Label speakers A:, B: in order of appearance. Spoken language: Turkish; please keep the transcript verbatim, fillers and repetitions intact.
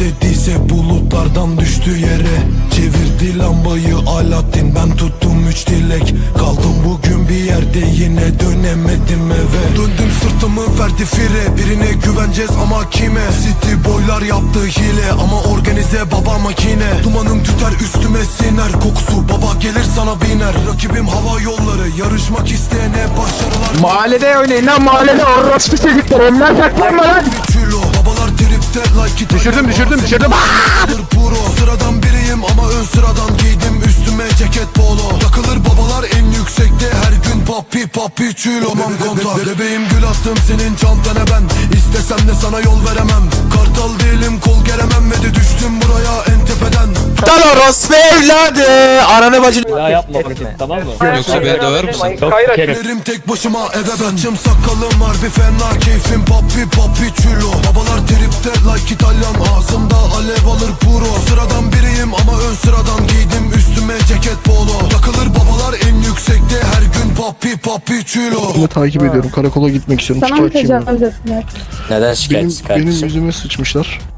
A: dediyse bulutlardan düştü yere. Çevirdi lambayı Alaaddin, ben tuttum üç dilek. Kaldım bugün bir yerde, yine dönemedim eve. Döndüm sırtımı verdi fire, birine güveneceğiz ama kime? City boylar yaptı hile ama organize baba makine. Dumanım tüter üstüme siner, kokusu baba gelir sana biner. Rakibim hava yolları, yarışmak isteyene başarılar.
B: Mahallede oynayın lan, mahallede orospu çocuklar, onlar saklanma lan.
A: Babalar tripte like it.
B: Düşürdüm düşürdüm düşürdüm.
A: Puro. Sıradan biriyim ama ön sıradan giydim üstüme ceket polo. Takılır babalar en yüksekte her gün papi papi çülo. Aman kontak bebeğim, gül attım senin çantana ben. İstesem de sana yol veremem. Kartal değilim, kol geremem ve de düştüm buraya en tepeden.
B: Lan orospu evladı. Ananı bacını.
C: Daha yapma Martin, tamam mı?
D: Yoksa beni döver misin?
C: Yok kerim.
A: Gelirim tek başıma eve ben. Saçım sakalım harbi fena, keyfim papi papi çülo. Babalar tripte like İtalyan, ağzımda alev alır puro. Sıradan biriyim ama ön sıradan giydim üstüme ceket polo. Takılır babalar en yüksekte her gün papi papi çülo.
E: Bunu takip ediyorum. Karakola gitmek istiyorum.
F: Sana mı
E: Şikayetçiyim ben.
F: tecavüz ettiler?
G: Neden
E: Benim,
G: şikayetçi
E: benim
G: kardeşim?
E: yüzüme sıçmışlar.